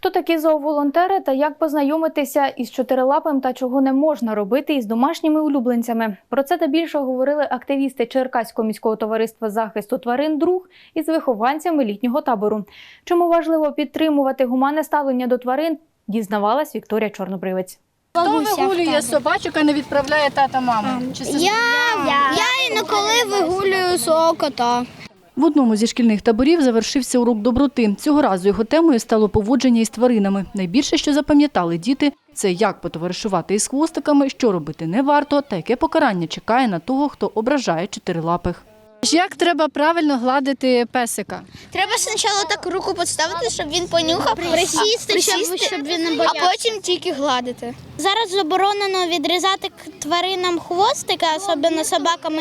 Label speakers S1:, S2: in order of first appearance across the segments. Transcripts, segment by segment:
S1: Хто такі зооволонтери та як познайомитися із чотирилапим та чого не можна робити із домашніми улюбленцями? Про це та більше говорили активісти Черкаського міського товариства захисту тварин «Друг» із вихованцями літнього табору. Чому важливо підтримувати гуманне ставлення до тварин, дізнавалась Вікторія Чорнобривець.
S2: Хто вигулює собачок, а не відправляє тата-маму?
S3: Я інколи вигулюю свого кота.
S4: В одному зі шкільних таборів завершився урок доброти. Цього разу його темою стало поводження із тваринами. Найбільше, що запам'ятали діти, це як потоваришувати із хвостиками, що робити не варто та яке покарання чекає на того, хто ображає чотирилапих.
S2: Як треба правильно гладити песика?
S3: Треба спочатку так руку підставити, щоб він понюхав, присісти, щоб він не боявся, а потім тільки гладити. Зараз заборонено відрізати тваринам хвостика, особливо собаками,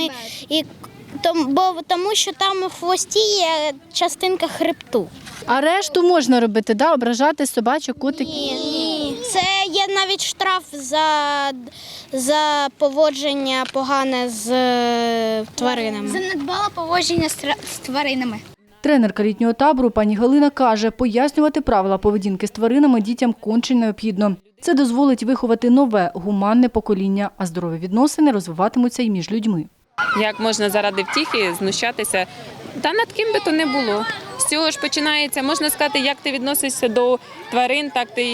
S3: тому що там у хвості є частинка хребту.
S2: А решту можна робити, да? Ображати собачок, котиків?
S3: Ні. Це є навіть штраф за поводження погане з тваринами. За недбале поводження з тваринами.
S4: Тренерка літнього табору пані Галина каже, пояснювати правила поведінки з тваринами дітям конче необхідно. Це дозволить виховати нове, гуманне покоління, а здорові відносини розвиватимуться і між людьми.
S5: Як можна заради втіхи знущатися? Та над ким би то не було. З цього ж починається, можна сказати, як ти відносишся до тварин, так ти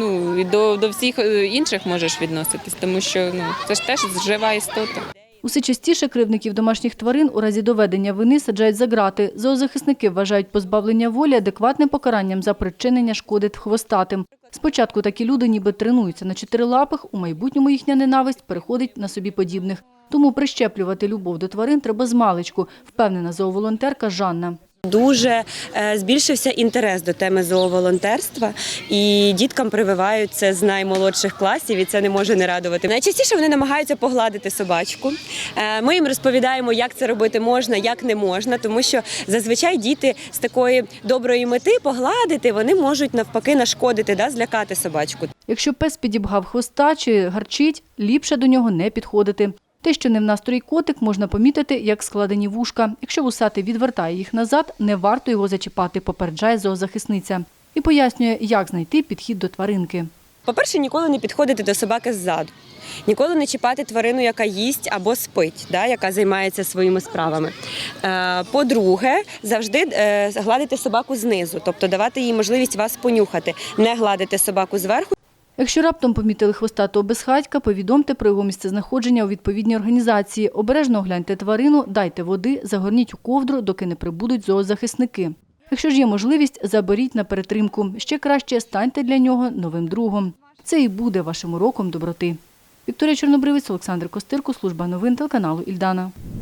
S5: і до всіх інших можеш відноситись, тому що це ж теж жива істота.
S4: Усе частіше кривдників домашніх тварин у разі доведення вини саджають за ґрати. Зоозахисники вважають позбавлення волі адекватним покаранням за причинення шкоди хвостатим. Спочатку такі люди ніби тренуються на чотирилапих, у майбутньому їхня ненависть переходить на собі подібних. Тому прищеплювати любов до тварин треба змалечку, впевнена зооволонтерка Жанна.
S6: Дуже збільшився інтерес до теми зооволонтерства, і діткам прививають це з наймолодших класів, і це не може не радувати. Найчастіше вони намагаються погладити собачку. Ми їм розповідаємо, як це робити можна, як не можна, тому що зазвичай діти з такої доброї мети погладити, вони можуть навпаки нашкодити, злякати собачку.
S4: Якщо пес підібгав хвоста чи гарчить, ліпше до нього не підходити. Те, що не в настрої котик, можна помітити, як складені вушка. Якщо вусатий відвертає їх назад, не варто його зачіпати, попереджає зоозахисниця. І пояснює, як знайти підхід до тваринки.
S6: По-перше, ніколи не підходити до собаки ззаду. Ніколи не чіпати тварину, яка їсть або спить, яка займається своїми справами. По-друге, завжди гладити собаку знизу, тобто давати їй можливість вас понюхати, не гладити собаку зверху.
S4: Якщо раптом помітили хвостатого безхатька, повідомте про його місцезнаходження у відповідній організації. Обережно огляньте тварину, дайте води, загорніть у ковдру, доки не прибудуть зоозахисники. Якщо ж є можливість, заберіть на перетримку. Ще краще станьте для нього новим другом. Це і буде вашим уроком доброти. Вікторія Чорнобривець, Олександр Костирко, служба новин телеканалу «Ільдана».